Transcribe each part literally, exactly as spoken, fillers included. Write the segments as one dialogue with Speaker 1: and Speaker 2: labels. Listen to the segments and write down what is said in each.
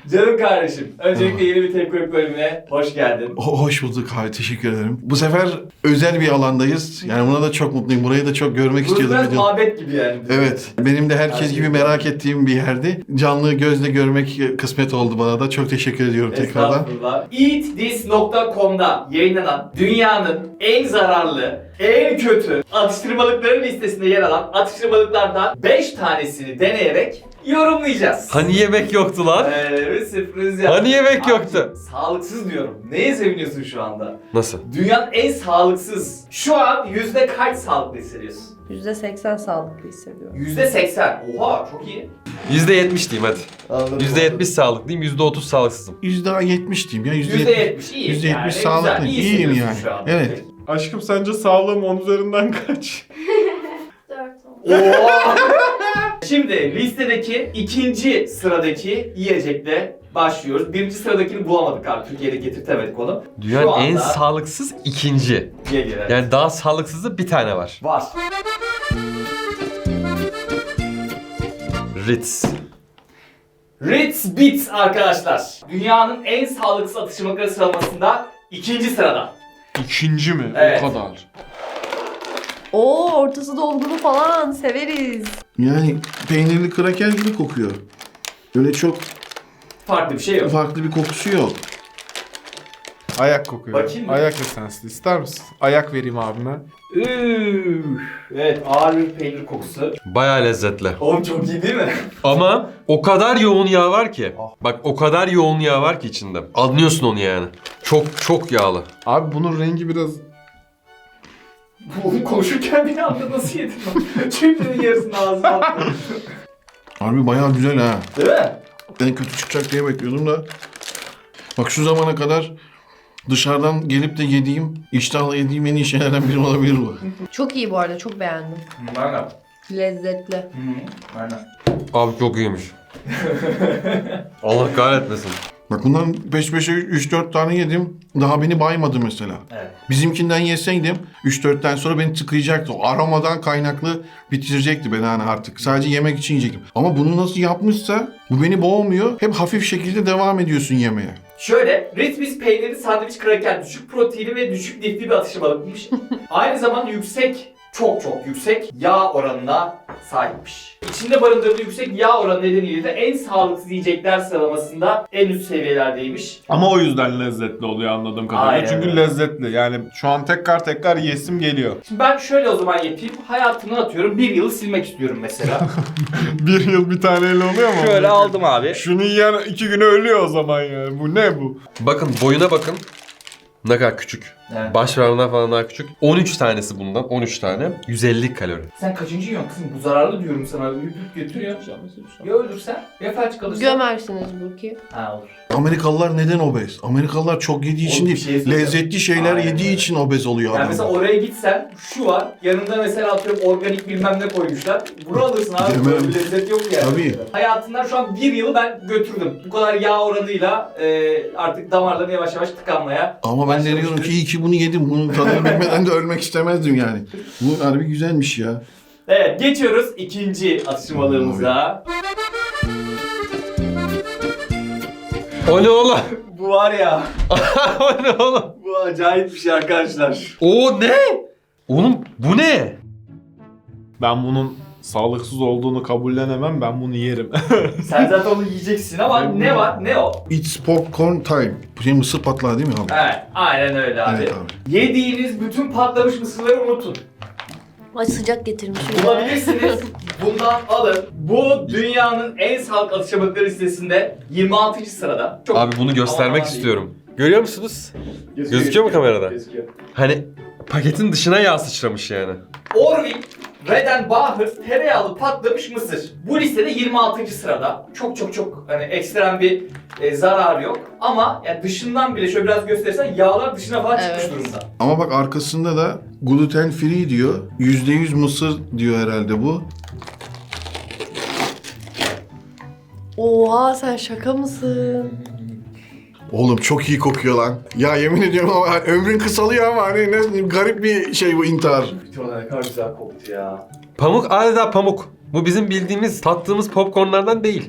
Speaker 1: Canım kardeşim, öncelikle yeni bir Tepkolik bölümüne hoş geldin.
Speaker 2: Ho- Hoş bulduk abi, teşekkür ederim. Bu sefer özel bir alandayız. Yani buna da çok mutluyum. Burayı da çok görmek
Speaker 1: Burası
Speaker 2: istiyordum.
Speaker 1: biraz
Speaker 2: Video-
Speaker 1: mabet gibi yani.
Speaker 2: Evet, benim de herkes gibi merak ettiğim bir yerdi. Canlı gözle görmek kısmet oldu bana da. Çok teşekkür ediyorum tekrardan.
Speaker 1: Estağfurullah. eat this nokta com'da yayınlanan dünyanın en zararlı, en kötü atıştırmalıkları listesinde yer alan atıştırmalıklardan beş tanesini deneyerek yorumlayacağız.
Speaker 3: Hani yemek yoktu lan?
Speaker 1: Ee, bir sürpriz yaptım.
Speaker 3: Hani yemek
Speaker 1: Abi,
Speaker 3: yoktu?
Speaker 1: Sağlıksız diyorum. Neye seviniyorsun şu anda?
Speaker 3: Nasıl?
Speaker 1: Dünyanın en sağlıksız. Şu an yüzde kaç sağlıklı hissediyorsun?
Speaker 4: yüzde seksen sağlıklı hissediyorum.
Speaker 1: Yüzde seksen. Oha çok iyi.
Speaker 3: yüzde yetmiş diyeyim hadi.
Speaker 1: Anladım.
Speaker 3: yüzde yetmiş sağlıklıyım, yüzde otuz sağlıksızım.
Speaker 2: yüzde yetmiş diyeyim ya.
Speaker 1: Yüzde
Speaker 2: yüzde
Speaker 1: yetmiş iyi.
Speaker 2: yüzde yetmiş
Speaker 1: yani.
Speaker 2: sağlıklı.
Speaker 1: Güzel, iyi
Speaker 2: İyiyim
Speaker 1: hissediyorsun
Speaker 2: yani.
Speaker 1: şu an.
Speaker 2: Evet.
Speaker 5: Aşkım sence sağlığım on üzerinden kaç?
Speaker 1: Oha! Şimdi listedeki ikinci sıradaki yiyecekle başlıyoruz. Birinci sıradakini bulamadık abi. Türkiye'de getirtemedik onu.
Speaker 3: Dünyanın
Speaker 1: Şu anda
Speaker 3: en sağlıksız ikinci.
Speaker 1: geliyor. Evet.
Speaker 3: Yani daha sağlıksızı bir tane var.
Speaker 1: Var.
Speaker 3: Ritz.
Speaker 1: Ritz Bits arkadaşlar. Dünyanın en sağlıksız atıştırmalıkları sıralamasında ikinci sırada.
Speaker 5: İkinci mi?
Speaker 1: Evet.
Speaker 5: O kadar.
Speaker 4: Oo, ortası dolgulu falan severiz.
Speaker 2: Yani peynirli kraker gibi kokuyor. Öyle çok
Speaker 1: Farklı bir şey yok.
Speaker 2: farklı bir kokusu yok.
Speaker 5: Ayak kokuyor.
Speaker 1: Bakayım mı?
Speaker 5: Ayak esanslı. İster misin? Ayak vereyim abime.
Speaker 1: Üf. Evet, ağır bir peynir kokusu.
Speaker 3: Bayağı lezzetli.
Speaker 1: Oğlum çok iyi değil mi?
Speaker 3: Ama o kadar yoğun yağ var ki. Bak o kadar yoğun yağ var ki içinde. Anlıyorsun onu yani. Çok çok yağlı.
Speaker 5: Abi bunun rengi biraz...
Speaker 1: Oğlum konuşurken bir anda nasıl yedin lan? Çöplerin yarısını ağzına attın.
Speaker 2: Harbi bayağı güzel ha.
Speaker 1: Değil mi?
Speaker 2: Ben kötü çıkacak diye bekliyordum da. Bak şu zamana kadar dışarıdan gelip de yediğim, iştahla yediğim en iyi şeylerden biri olabilir bu.
Speaker 4: Çok iyi bu arada, çok beğendim.
Speaker 1: Aynen.
Speaker 4: Lezzetli.
Speaker 1: Aynen.
Speaker 3: Abi çok iyiymiş. Allah kahretmesin.
Speaker 2: Bak bundan peş peşe üç dört tane yedim. Daha beni baymadı mesela.
Speaker 1: Evet.
Speaker 2: Bizimkinden yeseydim üç dörtten sonra beni tıkayacaktı. O aromadan kaynaklı bitirecekti beni hani artık. Sadece yemek için yiyecektim. Ama bunu nasıl yapmışsa bu beni boğmuyor. Hep hafif şekilde devam ediyorsun yemeye.
Speaker 1: Şöyle, Ritz Bits peynirli sandviç kraker düşük proteinli ve düşük lifli bir atıştırmalıkmış. Aynı zamanda yüksek, çok çok yüksek yağ oranına sahipmiş. İçinde barındırdığı yüksek yağ oranı nedeniyle de en sağlıksız yiyecekler sıralamasında en üst seviyelerdeymiş.
Speaker 5: Ama o yüzden lezzetli oluyor anladığım kadarıyla.
Speaker 1: Aynen
Speaker 5: Çünkü
Speaker 1: öyle.
Speaker 5: lezzetli. Yani şu an tekrar tekrar yesim geliyor.
Speaker 1: Şimdi ben şöyle o zaman yapayım. Hayatımdan atıyorum bir yılı silmek istiyorum mesela.
Speaker 5: Bir yıl bir taneyle oluyor mu?
Speaker 3: Şöyle aldım abi.
Speaker 5: Şunu yiyen iki güne ölüyor o zaman yani. Bu ne bu?
Speaker 3: Bakın boyuna bakın. Ne kadar küçük.
Speaker 1: Evet.
Speaker 3: Baş parmağından falan daha küçük. on üç tanesi bundan. on üç tane. yüz elli kalori.
Speaker 1: Sen kaçıncı yiyorsun kızım? Bu zararlı diyorum sana. Üp üp götürüyor. Ya ölürsen ya felç kalırsan.
Speaker 4: Gömersiniz Burki.
Speaker 1: Ha olur.
Speaker 2: Amerikalılar neden obez? Amerikalılar çok yediği için
Speaker 1: Oğlum bir
Speaker 2: değil.
Speaker 1: şey söyleyeceğim.
Speaker 2: Lezzetli şeyler
Speaker 1: Aynen
Speaker 2: yediği
Speaker 1: öyle.
Speaker 2: için obez oluyor
Speaker 1: Yani
Speaker 2: adam.
Speaker 1: mesela oraya gitsen şu var. Yanında mesela atıyorum organik bilmem ne koymuşlar. Bunu alırsın abi.
Speaker 2: Demem.
Speaker 1: Böyle bir lezzet yok yani.
Speaker 2: Tabii.
Speaker 1: Hayatından şu an bir yılı ben götürdüm. Bu kadar yağ oranıyla e, artık damarların yavaş yavaş tıkanmaya.
Speaker 2: Ama ben de diyorum
Speaker 1: başlamıştır.
Speaker 2: ki iyi ki bunu yedim. Bunun tadını bilmeden de ölmek istemezdim yani. Bu harbi güzelmiş ya.
Speaker 1: Evet geçiyoruz ikinci atıştırmalığımıza.
Speaker 3: O ne oğlum?
Speaker 1: Bu var ya.
Speaker 3: O ne oğlum?
Speaker 1: Bu acayip bir şey arkadaşlar.
Speaker 3: O ne? Oğlum bu ne?
Speaker 5: Ben bunun sağlıksız olduğunu kabullenemem. Ben bunu yerim.
Speaker 1: Sen zaten onu yiyeceksin ama ne var? Ne o?
Speaker 2: It's popcorn time. Bu şey mısır patlağı değil mi abi?
Speaker 1: Evet aynen öyle abi.
Speaker 2: Evet abi.
Speaker 1: Yediğiniz bütün patlamış mısırları unutun.
Speaker 4: Ay sıcak getirmişim.
Speaker 1: Bulabilirsiniz. Bundan alın. Bu dünyanın en sağlıklı atıştırmalıkları listesinde yirmi altıncı sırada. Çok
Speaker 3: Abi bunu göstermek
Speaker 1: Aman
Speaker 3: istiyorum. Görüyor musunuz? Gözüküyor mu kamerada?
Speaker 1: Gözüküyor.
Speaker 3: Hani paketin dışına yağ sıçramış yani.
Speaker 1: Orville Redenbacher tereyağlı patlamış mısır. Bu listede yirmi altıncı sırada. Çok çok çok hani ekstrem bir e, zararı yok. Ama yani dışından bile şöyle biraz gösterirsen yağlar dışına falan
Speaker 4: Evet.
Speaker 1: çıkmış durumda.
Speaker 2: Ama bak arkasında da gluten free diyor. yüzde yüz mısır diyor herhalde bu.
Speaker 4: Oha, sen şaka mısın?
Speaker 2: Oğlum çok iyi kokuyor lan. Ya yemin ediyorum ama ömrün kısalıyor ama hani ne garip bir şey bu intihar.
Speaker 1: Bütün ne kadar güzel koktu ya.
Speaker 3: Pamuk adeta pamuk. Bu bizim bildiğimiz, tattığımız popcornlardan değil.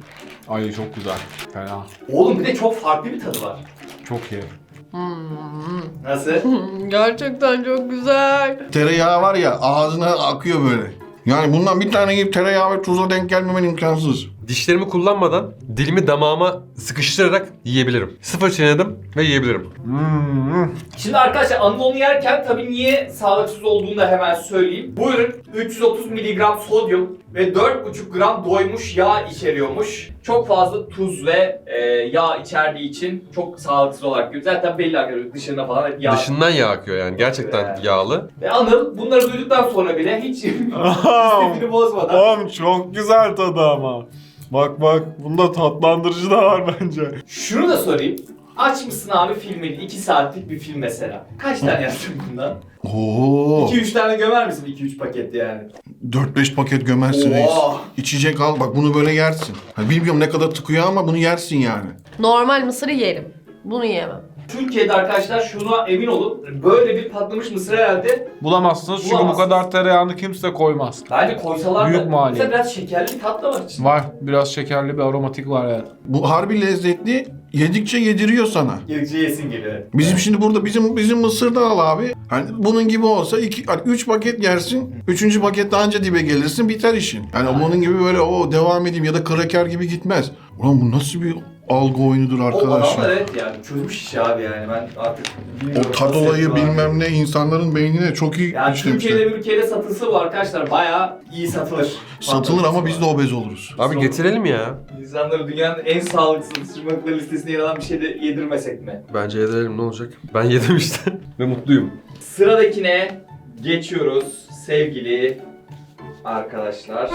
Speaker 5: Ay çok güzel. Fena.
Speaker 1: Oğlum bir de çok farklı bir tadı var.
Speaker 5: Çok iyi.
Speaker 1: Nasıl?
Speaker 4: Gerçekten çok güzel.
Speaker 2: Tereyağı var ya ağzına akıyor böyle. Yani bundan bir tane yiyip tereyağı ve tuza denk gelmemen imkansız.
Speaker 3: Dişlerimi kullanmadan dilimi damağıma sıkıştırarak yiyebilirim. Sıfır çiğnedim ve yiyebilirim.
Speaker 5: Hmm.
Speaker 1: Şimdi arkadaşlar anadolu yerken tabii niye sağlıksız olduğunu da hemen söyleyeyim. Bu ürün üç yüz otuz miligram sodyum ve dört buçuk gram doymuş yağ içeriyormuş. Çok fazla tuz ve e, yağ içerdiği için çok sağlıksız olarak görüyoruz. Zaten belli arkadaşlar dışında falan hep yağ.
Speaker 3: Dışından yağ akıyor yani. Gerçekten
Speaker 1: Evet.
Speaker 3: yağlı.
Speaker 1: Ve Anıl bunları duyduktan sonra bile hiç istifini bozmadan.
Speaker 5: Oğlum çok güzel tadı ama. Bak bak bunda tatlandırıcı da var bence.
Speaker 1: Şunu da sorayım. Açmışsın abi filmini. iki saatlik bir film mesela. Kaç tane yaptın bundan?
Speaker 2: Oo.
Speaker 1: iki üç tane gömer misin? iki üç paket yani.
Speaker 2: dört beş paket gömersin reis.
Speaker 1: Oo.
Speaker 2: İçecek al bak bunu böyle yersin. Hani bilmiyorum ne kadar tıkıyor ama bunu yersin yani.
Speaker 4: Normal mısırı yerim. Bunu yiyemem.
Speaker 1: Türkiye'de arkadaşlar şuna emin olun. Böyle bir patlamış mısır herhalde.
Speaker 5: Bulamazsınız çünkü bu
Speaker 1: Bulamazsınız.
Speaker 5: kadar tereyağını kimse koymaz.
Speaker 1: Bence koysalar
Speaker 5: Büyük
Speaker 1: da
Speaker 5: maliyet.
Speaker 1: mesela biraz şekerli bir tat da var içinde.
Speaker 5: Var. Biraz şekerli bir aromatik var yani.
Speaker 2: Bu harbi lezzetli. Yedikçe yediriyor sana.
Speaker 1: Yedikçe yesin geliyor.
Speaker 2: Bizim şimdi burada bizim bizim mısırda al abi. Hani bunun gibi olsa iki, hani üç paket yersin. Üçüncü pakette anca dibe gelirsin biter işin. Yani bunun gibi böyle o devam edeyim ya da kraker gibi gitmez. Ulan bu nasıl bir algı oyunudur
Speaker 1: O
Speaker 2: arkadaş
Speaker 1: adamlar
Speaker 2: ya.
Speaker 1: evet yani çözmüş işi abi yani ben artık
Speaker 2: O
Speaker 1: bilmiyorum.
Speaker 2: tad
Speaker 1: nasıl
Speaker 2: olayı
Speaker 1: yapıyorlar.
Speaker 2: bilmem ne insanların beynine çok iyi
Speaker 1: Yani
Speaker 2: işlemişler.
Speaker 1: Türkiye'de ülkede satılsa bu arkadaşlar bayağı iyi satılır.
Speaker 2: Satılır ama biz de obez oluruz.
Speaker 3: Abi getirelim ya.
Speaker 1: İnsanları dünyanın en sağlıksız ısırmakları listesine yer alan bir şey de yedirmesek mi?
Speaker 3: Bence yedirelim ne olacak? Ben yedim işte. Ve mutluyum.
Speaker 1: Sıradakine geçiyoruz sevgili arkadaşlar.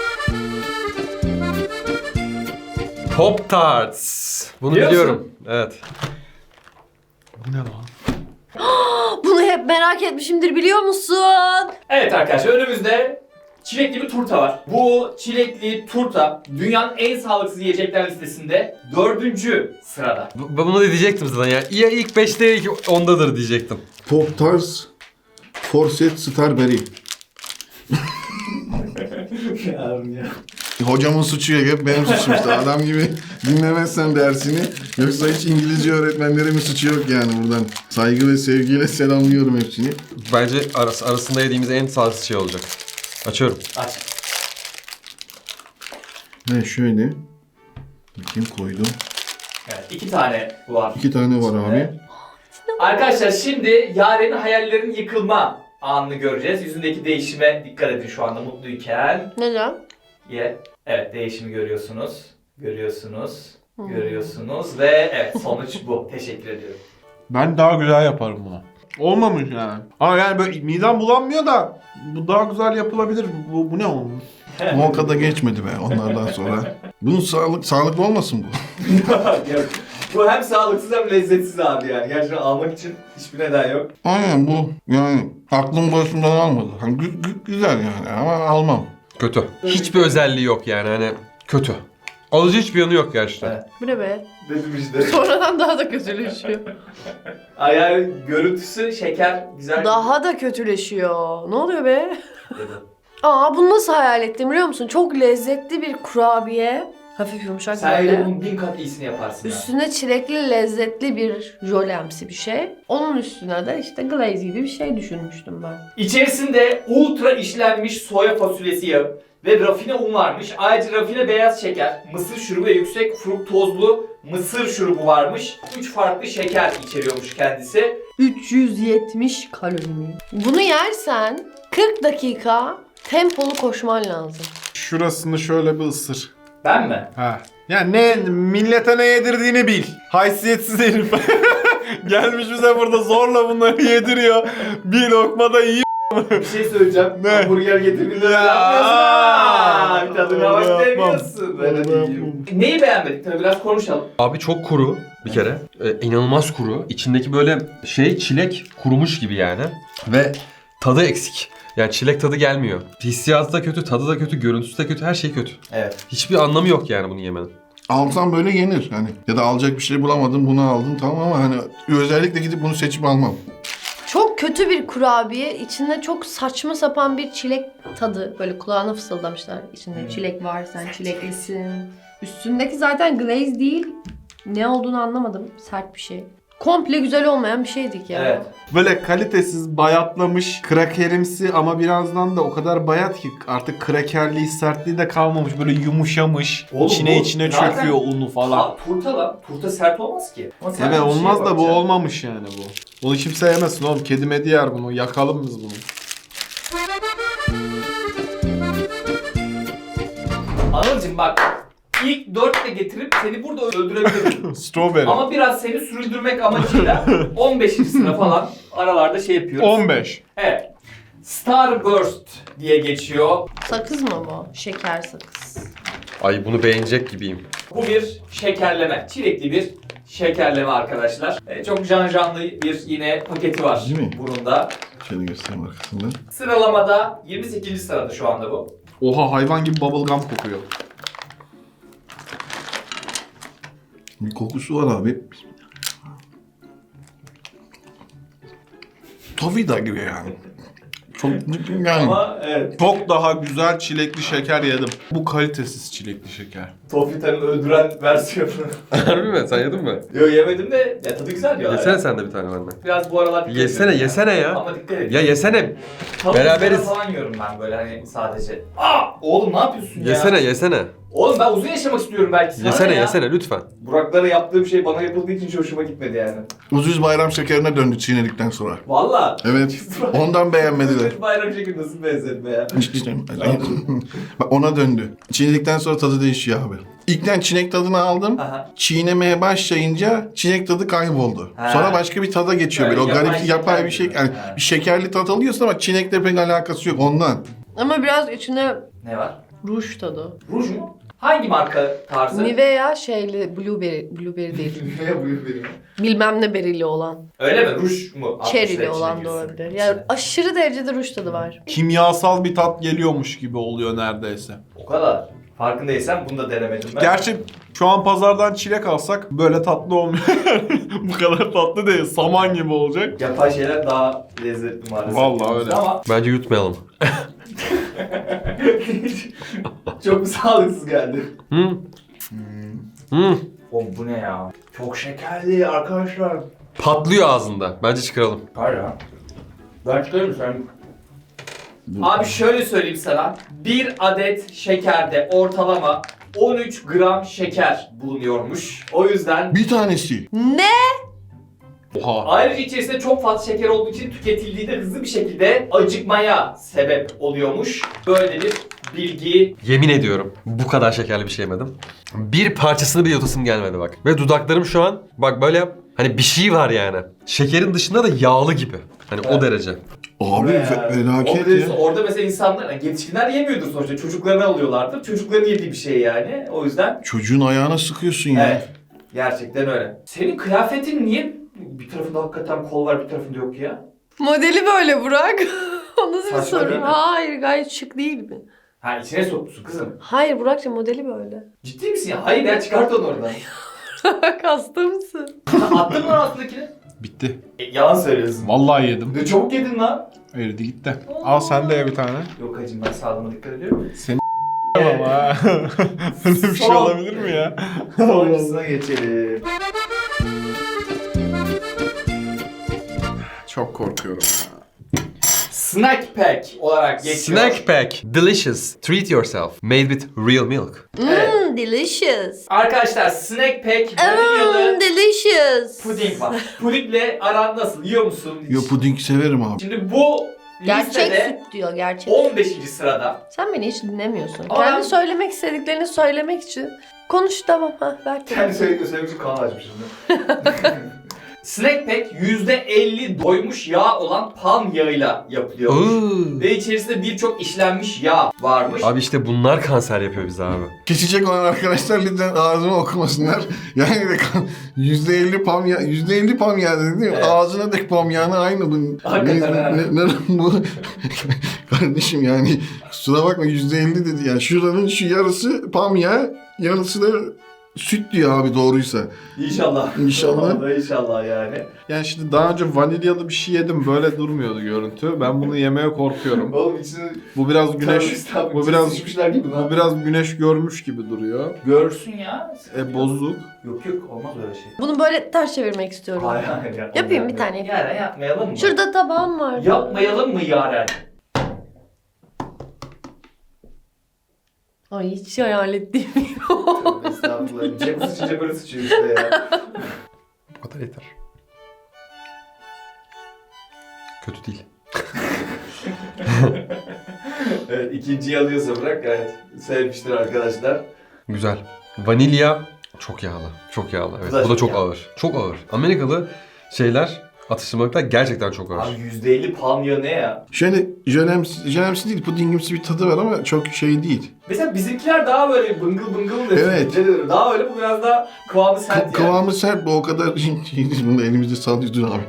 Speaker 3: Pop Tarts. Bunu
Speaker 1: Biliyor musun?
Speaker 3: biliyorum. Evet.
Speaker 5: Bu ne lan?
Speaker 4: Bunu hep merak etmişimdir biliyor musun?
Speaker 1: Evet arkadaşlar önümüzde çilekli bir turta var. Bu çilekli turta dünyanın en sağlıksız yiyecekler listesinde dördüncü sırada.
Speaker 3: Bu- Ben bunu da diyecektim zaten ya. Ya ilk beşte ya ilk ondadır diyecektim.
Speaker 2: Pop Tarts Forset Starberry. Hocamın suçu yok, hep benim suçum işte. Adam gibi dinlemezsen dersini. Yoksa hiç İngilizce öğretmenlerimin suçu yok yani buradan. Saygı ve sevgiyle selamlıyorum hepsini.
Speaker 3: Bence arası, arasında yediğimiz en sağlıksız şey olacak. Açıyorum.
Speaker 1: Aç.
Speaker 2: Ve şöyle. Bakayım koydum.
Speaker 1: Evet iki tane var.
Speaker 2: İki tane var abi.
Speaker 1: Arkadaşlar şimdi Yaren'in hayallerinin yıkılma anını göreceğiz. Yüzündeki değişime dikkat edin şu anda mutluyken.
Speaker 4: Neden?
Speaker 1: Ye. Evet değişimi görüyorsunuz. Görüyorsunuz. Görüyorsunuz ve evet sonuç bu. Teşekkür ediyorum.
Speaker 5: Ben daha güzel yaparım bunu. Olmamış yani. Ama yani böyle midem bulanmıyor da bu daha güzel yapılabilir. Bu, bu ne oğlum?
Speaker 2: O kadar geçmedi be onlardan sonra. Bunun sağlık sağlıklı olmasın bu?
Speaker 1: Yok. Bu hem sağlıksız hem lezzetsiz abi yani. Gerçekten almak için hiçbir neden yok.
Speaker 2: Aynen bu yani aklım başımdan almadı. Hani gü- gü- güzel yani ama almam.
Speaker 3: Kötü. Hiçbir özelliği yok yani hani kötü. Alıcı hiçbir yanı yok gerçekten.
Speaker 1: Evet.
Speaker 4: Bu ne be?
Speaker 1: Dedim işte.
Speaker 4: Sonradan daha da kötüleşiyor.
Speaker 1: Ay yani görüntüsü şeker güzel.
Speaker 4: Daha da kötüleşiyor. Ne oluyor be?
Speaker 1: Dedim.
Speaker 4: Aa bunu nasıl hayal ettim biliyor musun? Çok lezzetli bir kurabiye. Hafif yumuşak
Speaker 1: Sen
Speaker 4: böyle.
Speaker 1: öyle bunun bin kat iyisini yaparsın ya.
Speaker 4: Üstüne çilekli lezzetli bir jölemsi bir şey. Onun üstüne de işte glaze gibi bir şey düşünmüştüm ben.
Speaker 1: İçerisinde ultra işlenmiş soya fasulyesi yağı ve rafine un varmış. Ayrıca rafine beyaz şeker, mısır şurubu ve yüksek fruktozlu mısır şurubu varmış. üç farklı şeker içeriyormuş kendisi.
Speaker 4: üç yüz yetmiş kalori mi? Bunu yersen kırk dakika tempolu koşman lazım.
Speaker 5: Şurasını şöyle bir ısır.
Speaker 1: Ben mi?
Speaker 5: Ha. Ya ne millete ne yedirdiğini bil. Haysiyetsiz herif. Gelmiş bize burada zorla bunları yediriyor. Bir lokmada yiyor.
Speaker 1: Bir şey söyleyeceğim.
Speaker 5: Ne?
Speaker 1: Hamburger getirdiğinde öyle
Speaker 5: Ya.
Speaker 1: yapmıyorsun ha. Bir tadına
Speaker 5: Onu
Speaker 1: bak
Speaker 5: yapmam.
Speaker 1: demiyorsun. Böyle
Speaker 5: Onu
Speaker 1: diyeyim.
Speaker 5: yapmam.
Speaker 1: Neyi beğenmedik? Tabii biraz konuşalım.
Speaker 3: Abi çok kuru bir kere. Ee, inanılmaz kuru. İçindeki böyle şey çilek kurumuş gibi yani. Ve tadı eksik. Yani çilek tadı gelmiyor. Hissiyatı da kötü, tadı da kötü, görüntüsü de kötü, her şey kötü.
Speaker 1: Evet.
Speaker 3: Hiçbir anlamı yok yani bunu yemenin.
Speaker 2: Alsam böyle yenir hani. Ya da alacak bir şey bulamadım bunu aldım tamam ama hani özellikle gidip bunu seçip almam.
Speaker 4: Çok Çok kötü bir kurabiye. İçinde çok saçma sapan bir çilek tadı. Böyle kulağına fısıldamışlar. İçinde
Speaker 1: Hmm.
Speaker 4: çilek var, sen çileklisin. Üstündeki zaten glaze değil. Ne olduğunu anlamadım. Sert bir şey. Komple güzel olmayan bir şeydik ya.
Speaker 1: Evet.
Speaker 5: Böyle kalitesiz, bayatlamış, krakerimsi ama birazdan da o kadar bayat ki artık krakerliği, sertliği de kalmamış. Böyle yumuşamış,
Speaker 1: Oğlum
Speaker 5: içine
Speaker 1: bu
Speaker 5: içine
Speaker 1: zaten
Speaker 5: çöküyor unu falan.
Speaker 1: Ta, turta lan. Turta sert olmaz ki. Ama sen
Speaker 5: Evet
Speaker 1: bir şeye
Speaker 5: olmaz da bu
Speaker 1: bakacaksın.
Speaker 5: olmamış yani bu. Bunu kimse yemesin oğlum. Kedi medi yer bunu. Yakalım biz bunu.
Speaker 1: Anılcım bak. İlk dörtle getirip seni burada öldürebilirim.
Speaker 5: Strawberry.
Speaker 1: Ama biraz seni sürüldürmek amacıyla on beşinci sıra falan aralarda şey yapıyoruz.
Speaker 5: on beş.
Speaker 1: Evet. Starburst diye geçiyor.
Speaker 4: Sakız mı bu? Şeker sakız.
Speaker 3: Ay bunu beğenecek gibiyim.
Speaker 1: Bu bir şekerleme. Çilekli bir şekerleme arkadaşlar. Ee, çok can canlı bir yine paketi var
Speaker 2: Değil mi?
Speaker 1: burunda.
Speaker 2: Şöyle göstereyim arkasından.
Speaker 1: Sıralamada yirmi sekizinci sırada şu anda bu.
Speaker 5: Oha hayvan gibi bubblegum kokuyor.
Speaker 2: Bir kokusu var abi. Tavida gibi yani. Çok yani.
Speaker 1: Ama evet.
Speaker 5: Çok daha güzel çilekli şeker yedim. Bu kalitesiz çilekli şeker.
Speaker 1: Tofitan'ın öldüren versiyonu.
Speaker 3: Harbi mi? Sen yedin mi?
Speaker 1: Yok yemedim de ya tadı güzel diyorlar.
Speaker 3: Yesene
Speaker 1: ya.
Speaker 3: sen de bir tane benden.
Speaker 1: Biraz bu aralar dikkat
Speaker 3: Yesene
Speaker 1: ediyorum
Speaker 3: yesene ya.
Speaker 1: Ama dikkat et.
Speaker 3: Ya yesene.
Speaker 1: Tavuk
Speaker 3: beraberiz.
Speaker 1: ızgara falan yiyorum ben böyle hani sadece. Aa! Oğlum ne yapıyorsun ya?
Speaker 3: Yesene yesene.
Speaker 1: Oğlum ben uzun yaşamak istiyorum belki sana
Speaker 3: Yesene
Speaker 1: ya.
Speaker 3: yesene lütfen.
Speaker 1: Buraklara yaptığım şey bana yapıldığı için hiç hoşuma gitmedi yani.
Speaker 2: Ucuz bayram şekerine döndü çiğnedikten sonra.
Speaker 1: Valla.
Speaker 2: Evet. Ondan beğenmediler.
Speaker 1: Bir bayram şekli nasıl benzetme ya?
Speaker 2: İşte, bak ona döndü. Çiğnedikten sonra tadı değişiyor abi. İlkten çilek tadını aldım.
Speaker 1: Aha.
Speaker 2: Çiğnemeye başlayınca çilek tadı kayboldu.
Speaker 1: Ha.
Speaker 2: Sonra başka bir tada geçiyor böyle. O
Speaker 1: Böyle yapay
Speaker 2: garip yapay
Speaker 1: şeker
Speaker 2: bir şey.
Speaker 1: gibi.
Speaker 2: Yani
Speaker 1: Ha.
Speaker 2: bir şekerli tat alıyorsun ama çilekle pek alakası yok ondan.
Speaker 4: Ama biraz içine
Speaker 1: Ne var?
Speaker 4: ruj tadı.
Speaker 1: Ruj mu? Hangi marka tarzı?
Speaker 4: Nivea şeyli blueberry, blueberry değil.
Speaker 1: Nivea buyur benim.
Speaker 4: Bilmem ne berili olan.
Speaker 1: Öyle mi? Ruj mu?
Speaker 4: Cherry'li
Speaker 1: Altmışlar
Speaker 4: olan
Speaker 1: içine
Speaker 4: da
Speaker 1: girsin.
Speaker 4: olabilir. Yani aşırı derecede ruj tadı var.
Speaker 5: Kimyasal bir tat geliyormuş gibi oluyor neredeyse.
Speaker 1: O kadar. Farkındaysan bunu da denemedim ben.
Speaker 5: Gerçi şu an pazardan çilek alsak böyle tatlı olmuyor. Bu kadar tatlı değil. Saman gibi olacak.
Speaker 1: Yapay şeyler daha lezzetli maalesef.
Speaker 5: Vallahi öyle.
Speaker 1: Ama
Speaker 3: Bence yutmayalım.
Speaker 1: çok sağlıksız geldi.
Speaker 3: Hı? Hı?
Speaker 1: Oğlum bu ne ya? Çok şekerli arkadaşlar.
Speaker 3: Patlıyor ağzında. Bence çıkaralım.
Speaker 1: Var ya. Ben çıkarım sen. Abi şöyle söyleyeyim sana. Bir adet şekerde ortalama on üç gram şeker bulunuyormuş. O yüzden
Speaker 2: Bir tanesi.
Speaker 4: Ne?
Speaker 5: Oha.
Speaker 1: ayrıca içerisinde çok fazla şeker olduğu için tüketildiğinde hızlı bir şekilde acıkmaya sebep oluyormuş. Böyle bir bilgi.
Speaker 3: Yemin ediyorum bu kadar şekerli bir şey yemedim. Bir parçasını bile yutasım gelmedi bak. Ve dudaklarım şu an bak böyle yap. Hani bir şey var yani. Şekerin dışında da yağlı gibi. Hani
Speaker 1: Evet.
Speaker 3: o derece.
Speaker 2: Abi
Speaker 1: Ve
Speaker 2: fe-
Speaker 1: yani,
Speaker 2: felaket
Speaker 1: orada,
Speaker 2: ya.
Speaker 1: orada mesela insanlar, yani yetişkinler yemiyordur sonuçta. Çocuklarını alıyorlardır. Çocukların yediği bir şey yani. O yüzden
Speaker 2: Çocuğun ayağına sıkıyorsun ya.
Speaker 1: evet. Gerçekten öyle. Senin kıyafetin niye bir tarafında hakikaten kol var bir tarafında yok ya?
Speaker 4: Modeli böyle Burak. O nasıl bir
Speaker 1: Saçma değil
Speaker 4: soru?
Speaker 1: mi?
Speaker 4: Hayır gayet şık değil mi?
Speaker 1: Ha içine sokmuşsun kızım.
Speaker 4: Hayır Burak'cığım modeli böyle.
Speaker 1: Ciddi misin ya? Hayır ya çıkart onu oradan.
Speaker 4: Hasta mısın?
Speaker 1: Attın mı lan altındakini?
Speaker 5: Bitti.
Speaker 1: E, yalan söylüyorsun.
Speaker 5: Vallahi yedim.
Speaker 1: Ne çabuk yedin lan.
Speaker 5: Eridi gitti. Al sen de ye bir tane.
Speaker 1: Yok hacım ben sağlığıma dikkat ediyorum.
Speaker 5: Seni ama ha. Böyle bir şey
Speaker 1: Son.
Speaker 5: olabilir mi ya?
Speaker 1: Sonrasına geçelim.
Speaker 5: Çok korkuyorum.
Speaker 1: Snack Pack olarak geçiyor.
Speaker 3: Snack pack. Delicious. Treat yourself. Made with real milk.
Speaker 1: Evet.
Speaker 4: Mmm delicious.
Speaker 1: Arkadaşlar Snack Pack vanilyalı
Speaker 4: Mmm delicious.
Speaker 1: puding var. Pudingle aran nasıl? Yiyor musun? hiç?
Speaker 2: Yo puding severim abi.
Speaker 1: Şimdi bu
Speaker 4: Gerçek
Speaker 1: listede
Speaker 4: süt diyor gerçek.
Speaker 1: on beşinci sırada.
Speaker 4: Sen beni hiç dinlemiyorsun.
Speaker 1: Ama
Speaker 4: Kendi
Speaker 1: ben-
Speaker 4: söylemek istediklerini söylemek için konuş tamam ha ver.
Speaker 1: Kendi söyledikleri söylemek için kanal açmışım. Snack Pack yüzde elli doymuş yağ olan palm yağıyla yapılıyormuş.
Speaker 3: Oo.
Speaker 1: Ve içerisinde birçok işlenmiş yağ varmış.
Speaker 3: Abi işte bunlar kanser yapıyor bize abi.
Speaker 2: Geçecek olan arkadaşlar lütfen ağzımı okumasınlar. Yani de yüzde elli pam ya, yüzde elli pam ya dedi değil mi?
Speaker 1: Evet.
Speaker 2: Ağzına dek pam yağını aynı bu.
Speaker 1: Hakikaten ha.
Speaker 2: ne, ne, bu? Kardeşim yani kusura bakma yüzde elli dedi yani. Şuranın şu yarısı pam yağı, yarısı da süt diyor abi doğruysa.
Speaker 1: İnşallah.
Speaker 2: İnşallah.
Speaker 1: Vallahi inşallah yani.
Speaker 5: Yani şimdi daha önce vanilyalı bir şey yedim. Böyle durmuyordu görüntü. Ben bunu yemeye korkuyorum.
Speaker 1: Oğlum içine
Speaker 5: Bu biraz güneş bu biraz
Speaker 1: sıçmışlar gibi
Speaker 5: bu biraz güneş görmüş gibi duruyor.
Speaker 1: Görsün ya.
Speaker 5: E bozuk.
Speaker 1: Yok yok olmaz öyle şey.
Speaker 4: Bunu böyle ters çevirmek istiyorum.
Speaker 1: Hayır hayır. Yapma,
Speaker 4: Yapayım bir
Speaker 1: yapma.
Speaker 4: tane.
Speaker 1: Yaren yapmayalım mı?
Speaker 4: Şurada tabağım var.
Speaker 1: Yapmayalım mı Yaren?
Speaker 4: Ay hiç hayal ettiğim
Speaker 1: Tövbe estağfurullah. Cem sıçınca böyle sıçıyor işte ya.
Speaker 3: Bu kadar yeter. Kötü değil.
Speaker 1: Evet ikinciyi alıyorsa bırak gayet sevmiştir arkadaşlar.
Speaker 3: Güzel. Vanilya çok yağlı. Çok yağlı. Evet.
Speaker 1: Bu da
Speaker 3: Bu da
Speaker 1: çok
Speaker 3: çok
Speaker 1: yağlı.
Speaker 3: ağır. Çok ağır. Amerikalı şeyler, atıştırmalıklar gerçekten çok ağır.
Speaker 1: Abi yüzde elli palm yağı ne ya?
Speaker 2: Şöyle jölemsi, jölemsi değil, pudingimsi bir tadı var ama çok şey değil.
Speaker 1: Mesela bizimkiler daha böyle bıngıl bıngıl dedi.
Speaker 2: Evet.
Speaker 1: Dedi. Daha öyle bu biraz daha kıvamı sert
Speaker 2: Kı-
Speaker 1: yani.
Speaker 2: kıvamı sert bu o kadar bunu da elimizde sallıyoruz abi.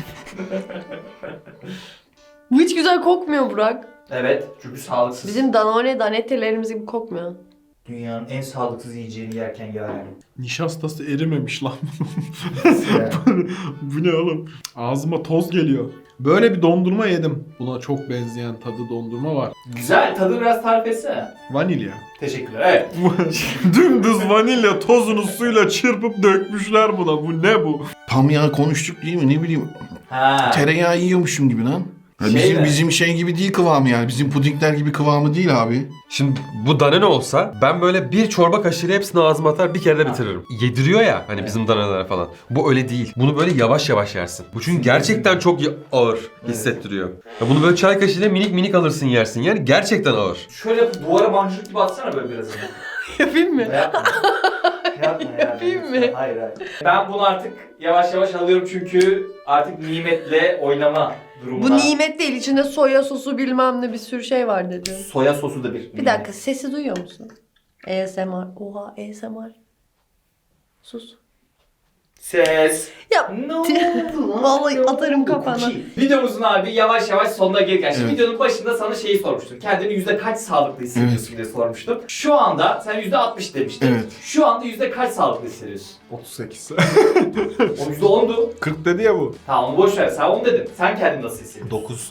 Speaker 4: Bu hiç güzel kokmuyor Burak.
Speaker 1: Evet çünkü sağlıksız.
Speaker 4: Bizim Danone Danette'lerimiz gibi kokmuyor.
Speaker 1: Dünyanın en sağlıksız yiyeceğini yerken Yaren.
Speaker 5: Nişastası erimemiş lan.
Speaker 1: Yani.
Speaker 5: Bu ne oğlum? Ağzıma toz geliyor. Böyle bir dondurma yedim. Buna çok benzeyen tadı dondurma var.
Speaker 1: Güzel tadı biraz tarif etsene.
Speaker 5: Vanilya.
Speaker 1: Teşekkürler. Evet.
Speaker 5: Dümdüz vanilya tozunu suyla çırpıp dökmüşler buna. Bu ne bu?
Speaker 2: Tam yağ konuştuk değil mi ne bileyim
Speaker 1: Ha.
Speaker 2: tereyağı yiyormuşum gibi lan. Ya
Speaker 1: Şey
Speaker 2: bizim
Speaker 1: mi?
Speaker 2: bizim şey gibi değil kıvamı yani. Bizim pudingler gibi kıvamı değil abi.
Speaker 3: Şimdi bu Danone olsa ben böyle bir çorba kaşığıyla hepsini ağzıma atar bir kere de bitiririm. Yediriyor ya hani
Speaker 1: Evet.
Speaker 3: bizim Danone'ler falan. Bu öyle değil. Bunu böyle yavaş yavaş yersin. Bu çünkü gerçekten çok y- ağır hissettiriyor. Ya bunu böyle çay kaşığıyla minik minik alırsın yersin yani gerçekten ağır.
Speaker 1: Şöyle duvara mancınık gibi atsana böyle biraz.
Speaker 4: Yapayım mı?
Speaker 1: Yapma. Yapma yani.
Speaker 4: Yapayım mı?
Speaker 1: Hayır hayır. Ben bunu artık yavaş yavaş alıyorum çünkü artık nimetle oynama durumuna.
Speaker 4: Bu nimet değil. İçinde soya sosu bilmem ne bir sürü şey var dedi.
Speaker 1: Soya sosu da bir.
Speaker 4: Bir dakika sesi duyuyor musun? A S M R. Oha A S M R. Sus.
Speaker 1: Ses.
Speaker 4: Ya
Speaker 1: Ne oldu lan?
Speaker 4: Vallahi
Speaker 1: Ne
Speaker 4: atarım
Speaker 1: oldu?
Speaker 4: kafana.
Speaker 1: Cookie. Videomuzun abi yavaş yavaş sonuna gelirken. Şimdi
Speaker 2: Evet.
Speaker 1: videonun başında sana şeyi sormuştum. Kendini yüzde kaç sağlıklı hissediyorsun diye sormuştum. Şu anda sen yüzde altmış demiştin.
Speaker 2: Evet.
Speaker 1: Şu anda yüzde kaç sağlıklı hissediyorsun?
Speaker 5: otuz sekiz.
Speaker 1: O yüzde ondu.
Speaker 5: kırk dedi ya bu.
Speaker 1: Tamam onu boş ver. Sen onu dedin. Sen kendini nasıl hissediyorsun?
Speaker 5: dokuz.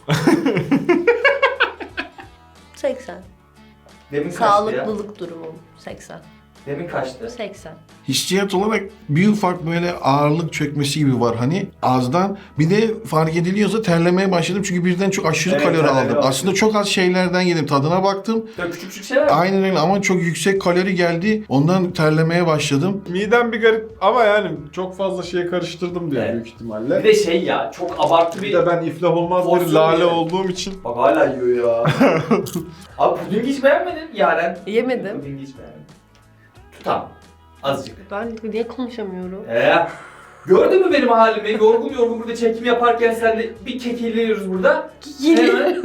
Speaker 4: seksen.
Speaker 1: Demin kaçtı ya?
Speaker 4: Sağlıklılık durumum. seksen.
Speaker 1: Demin kaçtı?
Speaker 4: seksen.
Speaker 2: Hissiyat olarak bir ufak böyle ağırlık çökmesi gibi var hani ağızdan. Bir de fark ediliyorsa terlemeye başladım çünkü birden çok aşırı
Speaker 1: Evet,
Speaker 2: kalori
Speaker 1: terlemeye
Speaker 2: aldım.
Speaker 1: başladım.
Speaker 2: Aslında çok az şeylerden yedim. Tadına baktım.
Speaker 1: Böyle küçük küçük şeyler mi?
Speaker 2: Aynen öyle ama çok yüksek kalori geldi. Ondan terlemeye başladım.
Speaker 5: Midem bir garip ama yani çok fazla şeye karıştırdım diye
Speaker 1: Evet.
Speaker 5: büyük ihtimalle.
Speaker 1: Bir de şey ya çok abartı
Speaker 5: Bir
Speaker 1: bir...
Speaker 5: de ben iflah olmaz bir
Speaker 1: Porsiyon
Speaker 5: lale
Speaker 1: yedim.
Speaker 5: olduğum için.
Speaker 1: Bak hala yiyor ya. Abi pudingi hiç beğenmedin Yaren.
Speaker 4: Yemedim.
Speaker 1: Pudingi hiç beğenmedim. Tutam. Azıcık.
Speaker 4: Ben niye konuşamıyorum?
Speaker 1: Ee, gördün mü benim halimi? Yorgun yorgun burada çekim yaparken sen de bir kekeliyoruz burada. Hemen.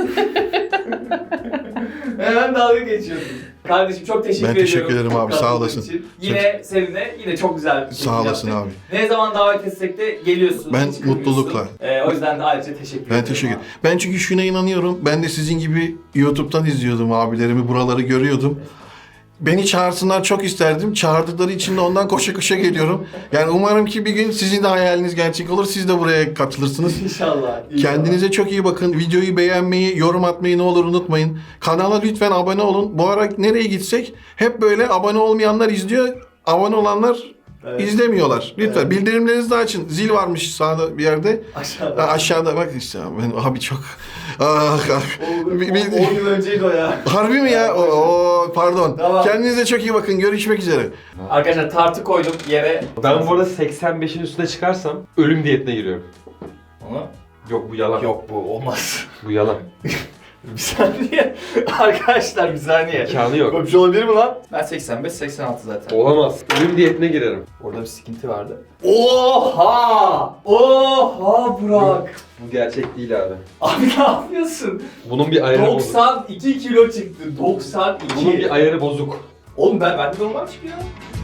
Speaker 1: Hemen dalga geçiyorsun. Kardeşim çok teşekkür
Speaker 2: Ben
Speaker 1: ediyorum.
Speaker 2: teşekkür ederim abi, sağ
Speaker 1: katıldığın
Speaker 2: olasın.
Speaker 1: için. Yine seninle yine çok güzel bir
Speaker 2: Sağ olasın
Speaker 1: yaptık.
Speaker 2: abi.
Speaker 1: Ne zaman davet etsek de geliyorsun.
Speaker 2: Ben
Speaker 1: hiç kırmıyorsun.
Speaker 2: mutlulukla.
Speaker 1: Ee, o yüzden de ayrıca teşekkür ederim.
Speaker 2: Ben teşekkür ederim. Ben çünkü şuna inanıyorum. Ben de sizin gibi YouTube'dan izliyordum abilerimi. Buraları görüyordum. Beni çağırsınlar çok isterdim. Çağırdıkları için de ondan koşa koşa geliyorum. Yani umarım ki bir gün sizin de hayaliniz gerçek olur. Siz de buraya katılırsınız.
Speaker 1: İnşallah. inşallah.
Speaker 2: Kendinize çok iyi bakın. Videoyu beğenmeyi, yorum atmayı ne olur unutmayın. Kanala lütfen abone olun. Bu ara nereye gitsek hep böyle abone olmayanlar izliyor. Abone olanlar
Speaker 1: Evet.
Speaker 2: izlemiyorlar. Lütfen
Speaker 1: Evet.
Speaker 2: bildirimlerinizi de açın. Zil varmış sağda bir yerde.
Speaker 1: Aşağıda.
Speaker 2: Ha, aşağıda bak işte ben abi çok ah, ah.
Speaker 1: on
Speaker 2: Bir- bir-
Speaker 1: yıl önceydi o ya.
Speaker 2: Harbi mi ya? Oo, pardon.
Speaker 1: Tamam.
Speaker 2: Kendinize çok iyi bakın. Görüşmek üzere.
Speaker 1: Arkadaşlar tartı koydum yere.
Speaker 3: Ben bu arada seksen beşin üstüne çıkarsam ölüm diyetine giriyorum.
Speaker 1: Onu?
Speaker 3: Yok bu yalan.
Speaker 1: Yok bu olmaz.
Speaker 3: Bu yalan.
Speaker 1: Bir saniye. Arkadaşlar bir saniye.
Speaker 3: İmkanı yok.
Speaker 1: Böyle bir şey olabilir mi lan? Ben seksen beş seksen altı zaten.
Speaker 3: Olamaz. Ölüm diyetine girerim.
Speaker 1: Orada bir sıkıntı vardı. Oha! Oha Burak!
Speaker 3: Bu gerçek değil abi.
Speaker 1: Abi ne yapıyorsun?
Speaker 3: Bunun bir ayarı bozuk.
Speaker 1: doksan iki kilo çıktı. doksan iki.
Speaker 3: Bunun bir ayarı bozuk.
Speaker 1: Oğlum ben ben de normal çıkıyor.